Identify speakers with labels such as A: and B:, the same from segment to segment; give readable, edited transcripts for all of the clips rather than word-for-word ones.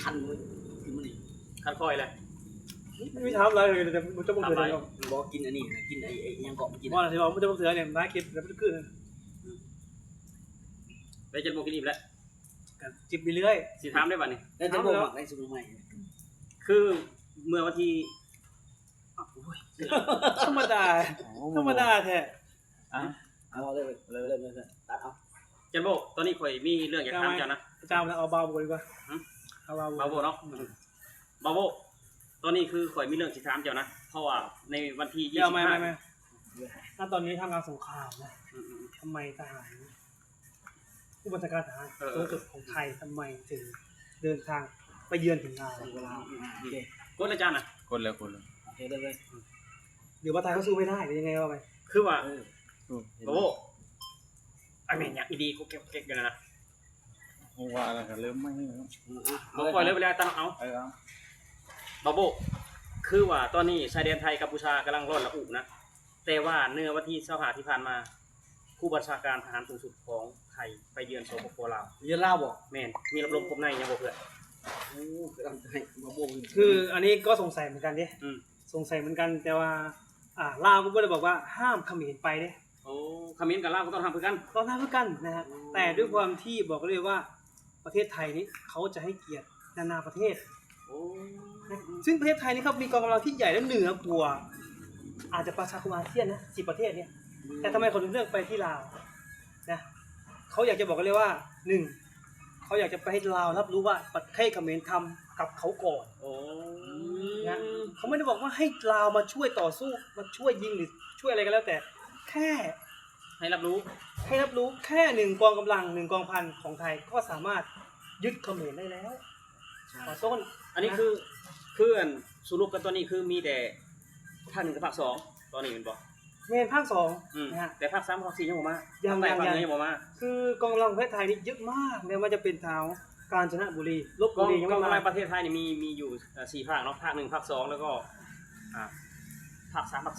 A: คันเลยกินมันนี่
B: คันคอยเลย
C: ไม่ทำอะไรเลยแต่มันจะบังเกิดอะไร
A: บอกกินอันนี้นะกินไอ้ยังเกาะมันกิน
C: ว่าอะไรที่เราไม่จะบังเกิดเนี่ยนายคิดแล้วมันขึ้น
B: ไปจนโมกิลีบแล้ว
C: กันจิบไปเรื่อย
B: สิถามได้ป่ะนี่
A: แล้วจะบอกหมักในสมุนไพร
B: คือเมื่อวันที่
C: ธรรมดาแท้
A: เอาเลยตัดเอา
B: จันโบตอนนี้ข่อยมีเรื่องอยากถามเจ้านะ
C: เจ้าแล้วเอาเบาบุดีกว่าเอาเบา
B: บาโบเนาะบาโบตอนนี้คือข่อยมีเรื่องสิถามเจ้านะเพราะว่าในวันที่
C: เดี๋ยวไม่
B: 25
C: ถ้าตอนนี้ทำงานสงครามนะทำไมทหารผู้บัญชาการทหารสูงสุดของไทยทำไมถึงเดินทางไปเยือนถึงลาว
A: เวลาโอเค
B: กดอาจารย์นะ
D: คนแล้ว
A: โอเคเลย
C: หรือว่าไทยเขาสู้ไม่ได้หรือยังไงวะไป
B: คือว่า
D: โอ้
B: บาโบไอ้แม่งอยากอีดีกูเก็บกันนะ
D: โหว่าอะไรกันเริ่มไม่แล้ว
B: บอกข่อยเลยเวลาตั้งเอา บาโบคือว่าตอนนี้ชายแดนไทยกัมพูชากำลังร้อนระอุนะแต่ว่าเนื้อวันที่25ที่ผ่านมาผู้บัญชาการทหารสูงสุดของไทยไปเยือนสปปลาว
A: เยอะเล่าบอก
B: แม่นมีรับลมคมในยังบ่เพื่อน
A: โอ้กำลังให้มาโบก
C: คืออันนี้ก็สงสัยเหมือนกันดิ
B: อืม
C: สงสัยเหมือนกันแต่ว่าลาวก็ได้บอกว่าห้ามเขมรไปเด้
B: โอ้คอมเมนต์กับลาวก็ต้องทำเพื่อกัน
C: ตอนนั้นเพื่อกันนะฮะแต่ด้วยความที่บอกเลยว่าประเทศไทยนี้เขาจะให้เกียรตินานาประเทศ
B: โอ้
C: ซึ่งประเทศไทยนี่ครับมีกองกำลังที่ใหญ่และเหนือกว่าอาจจะประชาคมอาเซียนนะ10ประเทศเนี่ยแต่ทำไมคนถึงเลือกไปที่ลาวนะเขาอยากจะบอกกันเลยว่า1เขาอยากจะไปให้ลาวรับรู้ว่าประเทศเขมรทำกับเขาก่อน
B: โอ้
C: นะเขาไม่ได้บอกว่าให้ลาวมาช่วยต่อสู้มาช่วยยิงหรือช่วยอะไรก็แล้วแต่แค่
B: ให้รับรู้
C: ให้รับรู้แค่1กองกำลัง1กองพันของไทยก็สามารถยึดเขมรได้แล้วขอโซน
B: อันนี้คืออันสรุปกันตอนนี้คือมีแต่ภาค1กับภาค2ตอนนี้เป็นบ่
C: เมนภาค2นะฮะ
B: แต่ภาค3ภาค4ยังบ่มา
C: ยัง
B: ภาคใต้ภาคเหนือยังบ่มา
C: คือกองกำลังประเทศไทยนี่เยอะมากเนี่ยมันจะเป็นทางกาญจนบุรีลบ
B: ก
C: บุ
B: อง
C: รียัง
B: กอง
C: ไม่
B: กำลั
C: มาง
B: ประเทศไทยนี่มีอยู่4ภาคเนาะภาค1ภาค2แล้วก็ภาค3ภาค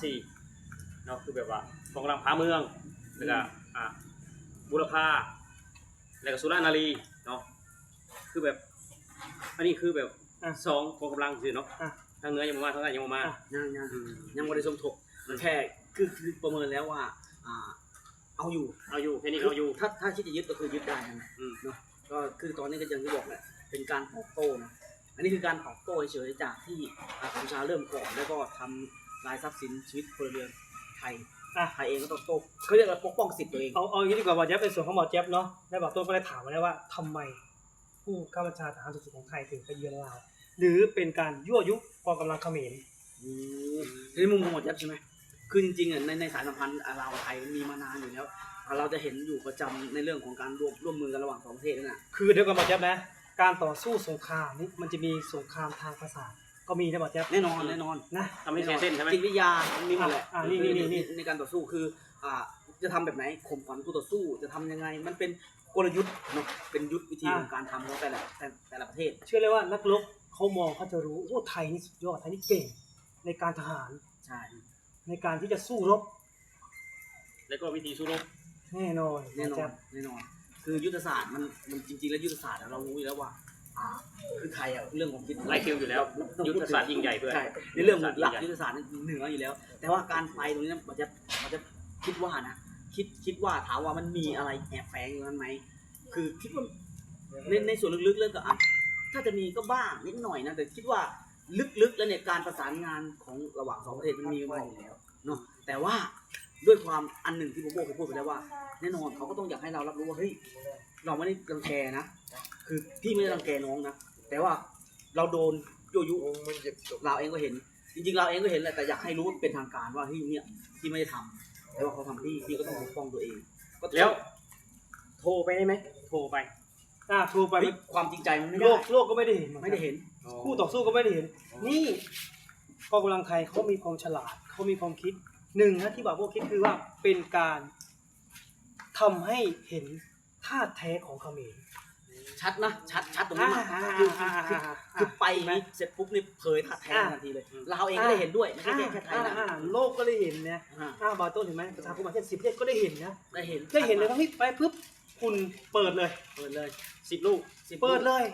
B: 4เนาะคือแบบว่ากองกำลังผาเมืองแล้วก็บุรพาแล้วก็สุรานารีเนาะคือแบบอันนี้คือแบบ2กองกำลังคือเนาะทางเหนือยังบ่มาทางใต้ยังบ่มา
A: ยังไม่ได้สมทบแค่คือประเมินแล้วว่าเอาอยู่
B: แค่นี้เอาอยู่
A: ถ้าคิดจะยึดก็คือยึดได้นะเนาะก็คือตอนนี้ก็ยังที่บอกแหละเป็นการตอบโต้นะอันนี้คือการตอบโต้เฉยๆจากที่กัมพูชาเริ่มก่อนแล้วก็ทำลายทรัพย์สินชีวิตพลเรือนไทยเองก็ตอบโต้เขาเรียกว่าปกป้องสิทธิ์ตัวเอง
C: เอาอย่างนี้ดีกว่าบอเจ๊เป็นส่วนของบอเจ๊เนาะได้บอกต้นก็เลยถามมาได้ว่าทำไมผู้ข้าราชการทหารสูงสุดของไทยถึงไปเยือนลาวหรือเป็นการยั่วยุกองกำลังเขมร
A: ในมุมของหมอแจ๊บใช่ไหมคือจริงๆในสายสัมพันธ์ลาวไทยมันมีมานานอยู่แล้วเราจะเห็นอยู่ประจำในเรื่องของการร่วมมือกันระหว่างสองประเทศนั่นแหละ
C: คือเดี๋ยวก่อนบอเจ๊นะการต่อสู้สงครามนี่มันจะมีสงครามทางภาษาก็มีนะบอเจ๊
A: แน่นอน
C: นะ
B: ทำให้เส้นใช่ไหม
A: จิตวิทยามีหมดแหละ
C: นี่
A: ในการต่อสู้คือจะทำแบบไหนข่มขวัญคู่ต่อสู้จะทำยังไงมันเป็นกลยุทธ์เนาะเป็นยุทธวิธีของการทำของแต่ละประเทศ
C: เชื่อเลยว่านักรบเขามองเขาจะรู้โอ้ไทยนี่สุดยอดไทยนี่เก่งในการทหาร
A: ใช่
C: ในการที่จะสู้รบ
B: แล้วก็วิธีสู้รบ
C: แน่นอน
A: คือยุทธศาสตร์มันจริงๆแล้วยุทธศาสตร์เรารู้อยู่แล้วว่าคือไทยเรื่องของคิด
B: ไลคิวอยู่แล้วยุทธศาสตร์ยิ่งใหญ่เพื่อน
A: ใช่ในเรื่องหลักยุทธศาสตร์เหนืออยู่แล้วแต่ว่าการไปตรงนี้มันจะคิดว่านะคิดว่าถามว่ามันมีอะไรแอบแฝงอยู่นั้นไหมคือคิดว่าในส่วนลึกๆเรื่องก็ถ้าจะมีก็บ้างนิดหน่อยนะแต่คิดว่าลึกๆแล้วเนี่ยการประสานงานของระหว่างสองประเทศมันมีมาอยู่แล้วเนาะแต่ว่าด้วยความอันหนึ่งที่โบโบเคยพูดไปแล้วว่าแน่นอนเขาก็ต้องอยากให้เรารับรู้ว่าเฮ้ยเราไม่ได้รังแกนะคือพี่ไม่ได้รังแกน้องนะแต่ว่าเราโดนยั่วยุเราเองก็เห็นจริงๆเราเองก็เห็นแหละแต่อยากให้รู้เป็นทางการว่าเฮ้ยเนี่ยที่ไม่ได้ทำแต่ว่าเขาทำพี่ก็ต้องปกป้องตัวเองก็
B: แล้วโทรไปได้ไหมโทรไป
C: ทูไป
A: ความจริงใจมันไม่
C: โล
A: ได้
C: กก็ไม่ได้เห็น
A: ไม่ได้เห็น
C: คู่ต่อสู้ก็ไม่ได้เห็นนี่กองกำลังไทยเขามีความฉลาดเขามีความคิดนะที่บ่าวพวกคิดคือว่าเป็นการทำให้เห็นท่าแท้ของเขมร
A: ชัดนะชัดตรงนี้มากคือไปนี่เสร็จปุ๊บนี่เผยท่าแท้ทันทีเลยเราเองก็ได้เห็นด้วยไม่ใช่แค่ไทยนะ
C: โลกก็ได้เห็นนะบาโต้เห็นไหมประชาคมอาเซียน10 ประเทศก็ได้เห็นนะ
A: ได้เห็น
C: ได้เห็นเลยทั้งที่ไปปุ๊บคุณเปิดเลย
A: 10 ลูก
C: เปิดเลย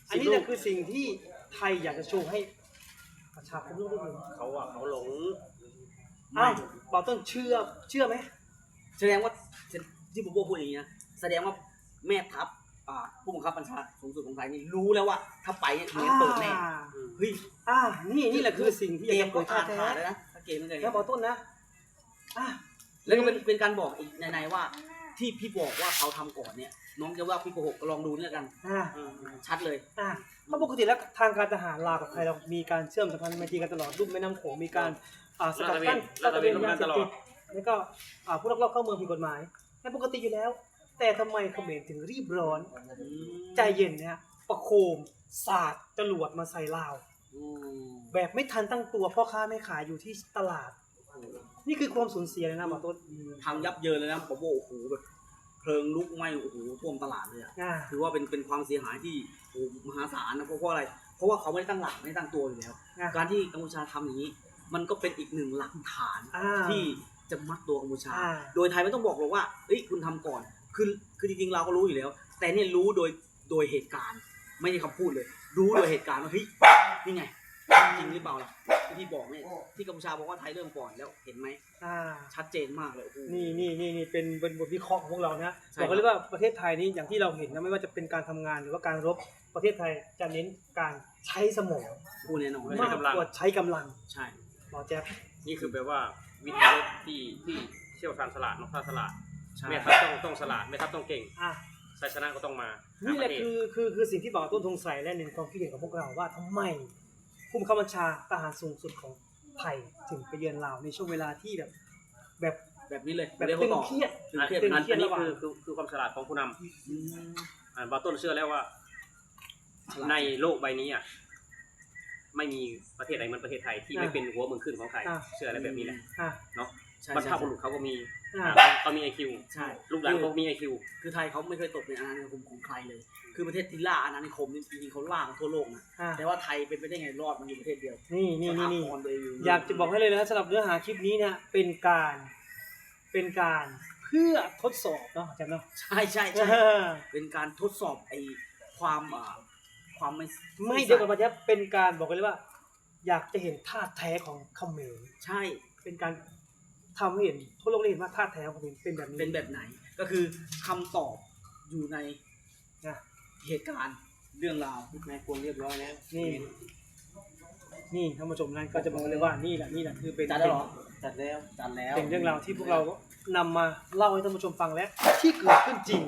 C: อันนี้แหละคือสิ่งที่ไทยอยากจะโชว์ให้ประชาคมโลกได้ดู
B: เขาหลง
C: อ้าวบอลต้นเชื่อไหม
A: แสดงว่าที่ผมพูดอย่างนี้นะแสดงว่าแม่ทัพผู้บังคับบัญชาสูงสุดของไทยนี่รู้แล้วว่าถ้าไปเนี่ยเมียเปิดแน่เฮ้ย
C: นี่แหละคือสิ่งที่อยาก
A: เก
C: จะ
A: ม
C: เผ
A: ก็
C: ยแพ
A: ขา
C: ร่
A: ดขาดเลยนะถ้าเกมนั่นเลย
C: แล้วบอลต้นนะอ่ะ
A: แล้วก็เป็นการบอกอีกในว่าที่พี่บอกว่าเขาทำก่อนเนี่ยน้องจะว่าพี่โกหกก็ลองดูเนี่ยกัน ชัดเลย
C: เพราะปกติแล้วทางการทหารลาวกับไทยเรามีการเชื่อมสัมพันธ์ไมตรีกันตลอดลุ่มแม่น้ำโขงมีการสกัดกั้นลาดตระเวนยาเสพติดแล้วก็ผู้ลักลอบเข้าเมืองผิดกฎหมายนั่นปกติอยู่แล้ว แต่ทำไมเขมรถึงรีบร้อนใจเย็นเนี่ยประโคมสาดจรวดมาใส่ลาวแบบไม่ทันตั้งตัวพ่อค้าแม่ขายอยู่ที่ตลาด นี่คือความสูญเสียเลยนะหมอต้น
A: ทางยับเยินเลยนะผมว่าโอ้โหแบบเพลิงลุกไหม้โอ้โหท่วมตลาดเลยอ่ะถือว่าเป็นความเสียหายที่โอ้มหาศาลนะเพราะอะไรเพราะว่าเขาไม่ได้ตั้งหลักไม่ได้ตั้งตัวอยู่แล้วการที่กัมพูชาทำอย่างนี้มันก็เป็นอีกหนึ่งหลักฐานที่จะมัดตัวกัมพูชาโดยไทยไม่ต้องบอกหรอกว่าเอ้ยคุณทำก่อนคือจริงๆเราก็รู้อยู่แล้วแต่เนี่ยรู้โดยเหตุการณ์ไม่ใช่คำพูดเลยรู้โดยเหตุการณ์ว่าเฮ้ยนี่ไงจริงหรือเปล่าล่ะที่บอกเนี่ยที่กัมพูชาบอกว่าไทยเริ่มก่อนแล้วเห็นไหมชัดเจนมากเลย
C: นี่เป็นบทวิเคราะห์ของพวกเรานะบอกเลยว่าประเทศไทยนี่อย่างที่เราเห็นนะไม่ว่าจะเป็นการทำงานหรือว่าการรบประเทศไทยจะเน้นการใช้สมอง
A: ผู้แน่นอน
C: มากกว่าใช้กำลัง
A: ใช่
C: หมอแจ๊บ
B: นี่คือแปลว่าวิทยารบที่เชี่ยวชาญฉลาดนกท่าฉลาดแม่ทัพต้องฉลาดแม่ทัพต้องเก่งชัยชนะก็ต้องมา
C: นี่แหละคือสิ่งที่บอกต้นทงใส่และหนึ่งความคิดเห็นของพวกเราว่าทำไมผู้บังคับบัญชาทหารสูงสุดของไทยถึงไปเยือนลาวในช่วงเวลาที่แบบ
A: นี้เลย
C: แบบตึงเครียด
B: อันนี้คือความฉลาดของผู้นำบาต้นเชื่อแล้วว่าในโลกใบนี้ไม่มีประเทศไหนเหมือนประเทศไทยที่ไม่เป็นหัวเมืองขึ้นของไทยเชื่ออะไรแบบนี้แหละเนาะบรรพบุรุษเขาก็มีเขามี IQ
A: ใช่
B: ลูกหลานเขามี IQ
A: คือไทยเขาไม่เคยตกเป็นอาณานิคมของใครเลยคือประเทศที่ล่าอาณานิคมนี่จริงๆเขาล่าทั่วโลกนะแต่ว่าไทยเป็นไปได้ไงรอดมันอยู่ประเทศเดียว
C: นี่อยากจะบอกให้เลยนะสำหรับเนื้อหาคลิปนี้เนี่ยเป็นการเพื่อทดสอบเนาะจำเนาะ
A: ใช่เป็นการทดสอบไอ้ความ
C: ไม่เดี๋ยวก่อนจะเป็นการบอกกันเลยว่าอยากจะเห็นท่าแท้ของเขมร
A: ใช่
C: เป็นการทำให้เห็นทั่วโลกได้เห็นว่าท่าแท้ของเขมรเป็นแบบนี้
A: เป็นแบบไหนก็คือคำตอบอยู่ในเหตุการณ์เรื่องราวแม่ควรเรียบร้อยแล้ว
C: นี่ท่านผู้ชมนั้นก็จะบอกเลยว่านี่แหละคือเป็น
A: จัดแล้ว
C: เป็นเรื่องราวที่พวกเรานำมาเล่าให้ท่านผู้ชมฟังและที่เกิดขึ้นจริง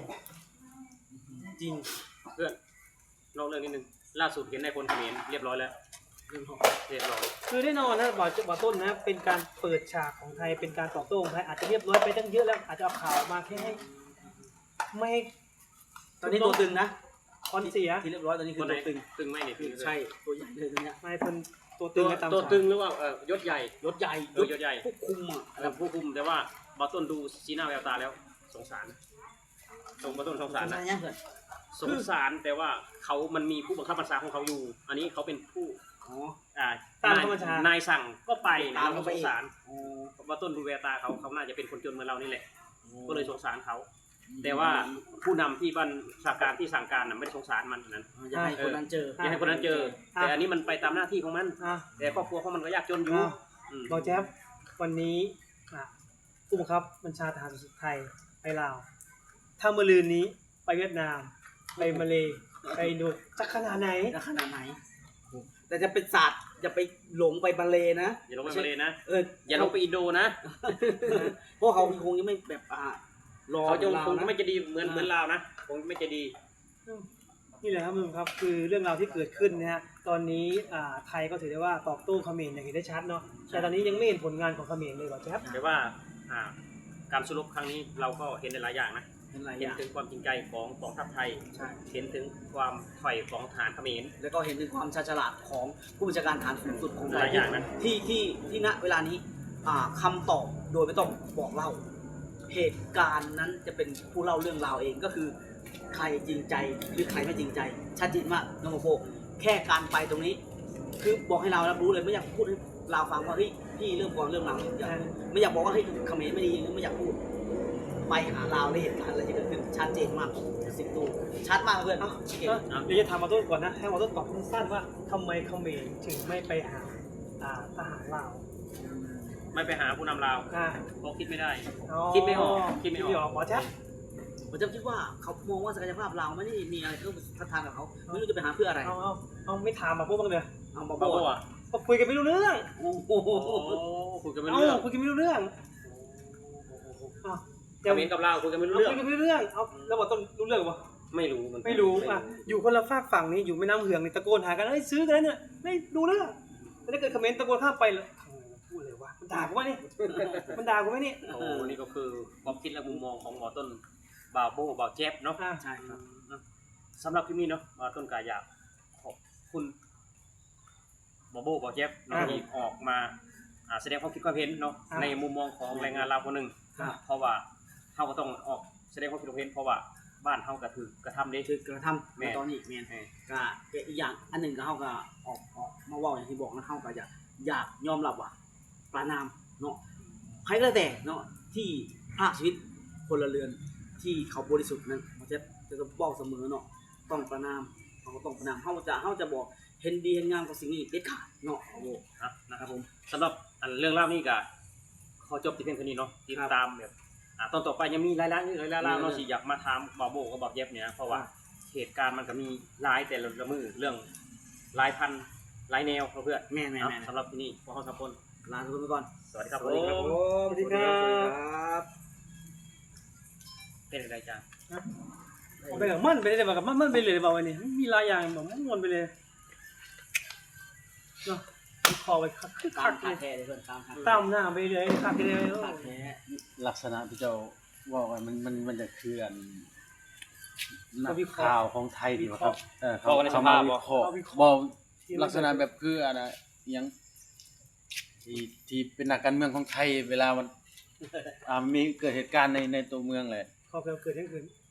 B: เพื่อนนอกเรื่องนิดนึงล่าสุดเห็นในพลเขมรเรียบร้อยแล้วเรียบร้อย
C: คือแน่นอนนะบ่อต้นนะเป็นการเปิดฉากของไทยเป็นการตอบโต้ของไทยอาจจะเรียบร้อยไปตั้งเยอะแล้วอาจจะเอาข่าวมาแค่ให้ไม่
A: ตอนนี้ตัวตึงนะ
C: คอนเสีย
A: ที่เรียบร้อยตอนนี้คือตัวตึง
B: ไม่เนี่ย
A: ใช่ตัวใหญ่เลยตรงเนี้ย
C: ไม่เป็นตัวตึง
B: ตัวตึงหรือว่ายศใหญ่
A: ยศใหญ่ผู้คุม
B: ผู้คุมแต่ว่าบ่อต้นดูสีหน้าแววตาแล้วสงสารบ่อต้นสงสารนะสงสารแต่ว่ามันมีผู้บังคับบัญชาของเขาอยู่อันนี้เขาเป็นผู้
C: ตามบัญชาน
B: ายสั่งก็ไปนะสงสารบ่อต้นดูแววตาเขาน่าจะเป็นคนจนเหมือนเรานี่แหละก็เลยสงสารเขาแต่ว่าผู้นำที่บัญชาการที่สั่งการไม่ได้สงสารมันนั้น
A: อยากให้คนนั้นเจอ
B: แต่อันนี้มันไปตามหน้าที่ของมันแต่ครอบครัวของมันก็ยากจนอยู่
C: บอแจ๊บวันนี้ผู้บังคับบัญชาทหารสูงสุดไทยไปลาวถ้าเมื่อลืนนี้ไปเวียดนามไปมาเลไปอินโดจะขนาดไหน
A: แต่จะเป็นศาสตร์อย่าไปหลงไปมาเลนะ
B: อย่าลงไปมาเลนะอย่าลงไปอินโดนะ
A: เพราะเขาคงยังไม่แบบ
B: เขาจะคงไม่จะดีเหมือนลาวนะคงไม่จะดี
C: นี่แหละครับมึงครับคือเรื่องราวที่เกิดขึ้นนะฮะตอนนี้ไทยก็ถือได้ว่าตอบโต้เขมรอย่างเห็นได้ชัดเนาะแต่ตอนนี้ยังไม่เห็นผลงานของเขมรเลยว่าแจ๊บ
B: แต่ว่าการสู้รบครั้งนี้เราก็เห็นหลายอย่างนะเห็นถึงความจริงใจของกองทัพไทยเห็นถึงความใฝ่ของทหารเขมร
A: แล้วก็เห็นถึงความฉลาดของผู้บัญชาการทหารสูงสุดของ
B: หลายอย่างนะ
A: ที่ณเวลานี้คำตอบโดยไม่ต้องบอกเล่าเหตุการณ์นั้นจะเป็นผู้เล่าเรื่องราวเองก็คือใครจริงใจหรือใครไม่จริงใจชัดเจนมากน้องโมโฟแค่การไปตรงนี้คือบอกให้เรารับรู้เลยไม่อยากพูดให้เราฟังว่าเฮ้ยพี่เรื่องก่อนเรื่องหลังไม่อยากบอกว่าเฮ้ยเขมรไม่ดีไม่อยากพูดไปหาลาวได้เหตุการณ์อะไรจะเกิดขึ้นชัดเจนมาก10 ตู้ชัดมากเพื่อน
C: เอ้า
A: เก่ง
C: เดี๋ยวจะถามมาต้นก่อนนะให้มาต้นตอบสั้นๆว่าทำไมเขมรถึงไม่ไปหาทหารลาว
B: ไม่ไปหาผู้นำลาว
C: อ่า
B: เพราะคิดไม่ได้
A: คิดไม่ออก
B: คิดไม่ออก
C: หมอแจ๊บ
A: ผมจะคิดว่าเขามองว่าศักยภาพเราไม่ได้มีอะไรเพิ่มทัดทานกับเขาไม่รู้จะไปหาเพื่ออะไร
C: เอาไม่ถามมาพวกบ้างเลย
A: เอาบา
B: บา
A: โบ
B: โบอ่ะ
C: ก็คุยกันไม่รู้เรื่อง
A: โอ้โห
B: โอ้คุยกันไม่
C: เอ้า
B: รู้เรื่อง
C: คุยกันไม่รู้เรื่องอ้าว
B: เขมรกับลาวคุยกันไม่รู้
C: เอา
B: เรื่อง
C: คุยกันไม่รู้เรื่องเอาแล้วบอกต้องรู้เรื่องปะ
B: ไม่รู้มัน
C: ไม่รู้อ่ะอยู่คนละฝากฝั่งนี้อยู่แม่น้ำเหืองนี่ตะโกนหากันเฮ้ยซื้อกันแล้วเนี่ยไม่รู้เรื่องแล้วถ้าเกิดคอมเขมนต์ตะโกนข้ามไปเลยพูดเลยวะมันด่ากูไหมนี่มันด่ากูไหมนี่
B: โอ้นี่ก็คือความคิดและมุมมองของหมอต้นบาโบบาแจ๊บเนาะ
C: อ่า
A: ใช่ครับ
B: สำหรับที่นี่เนาะหมอต้นกาอยากขอบคุณบาโบบาแจ๊บเนาะที่ออกมาแสดงความคิดความเห็นเนาะในมุมมองของแรงงานลาวคนหนึ่งเพราะว่าเขาก็ต้องออกแสดงความคิดความเห็นเพราะว่าบ้านเขาก็ถือกระทำได้
A: คือกระทำในตอนนี้แมนก็อีกอย่างอันหนึ่งก็เขาก็ออกมาว่าอย่างที่บอกนะเขาก็อยากยอมรับว่าประนามเนาะใครก็แล้วแต่เนาะที่ภาคชีวิตพลเรือนที่เขาบริสุทธิ์นั้นมันจะบอกเสมอเนาะต้องประนามเขาก็ต้องประนามเขาจะบอกเห็นดีเห็นงามกับสิ่งนี้เด็ดขาดเนาะโอ้โห
B: นะครับผมสำหรับเรื่องเล่านี่ก็ขอจบที่เพียงเท่านี้เนาะติดตามแบบตอนต่อไปยังมีหลายๆเนาะสิอยากมาถามบาโบกับบาเย็บเนี่ยเพราะว่าเหตุการณ์มันก็มีหลายแต่ละมือเรื่องหลายพันหลายแนวเพื่อน
A: แม่น
B: สำหรับที่นี่พวกเขาสองคน
A: ลาทุกคนไปก่อน
B: สวัสดีครับ
A: สวัสดีครับ
B: ผม
C: สวัสดีครับ
A: บ
B: เป็นอะไรจ้า
C: เอาไปกับมั่นไปเลยแบบกับมั่นไปเลยบอกว่านี่มีหลายอย่างแบบมั่นไปเลยเนาะคอไปคัก
A: ตามคาแท้เลยเพื่อนตามคา
C: ตามหน้าไปเลยคักไปเลย
A: คาแท้
D: ลักษณะที่เจ้าบอกว่ามันจะคืออันนักข่าวของไทยดีครับเขามาวิเคราะห์บอกลักษณะแบบคืออันน่ะอิหยังที่เป็นนักการเมืองของไทยเวลามันมีเกิดเหตุการณ์ในตัวเมืองเลย
C: เขาเกิดยังขึ้น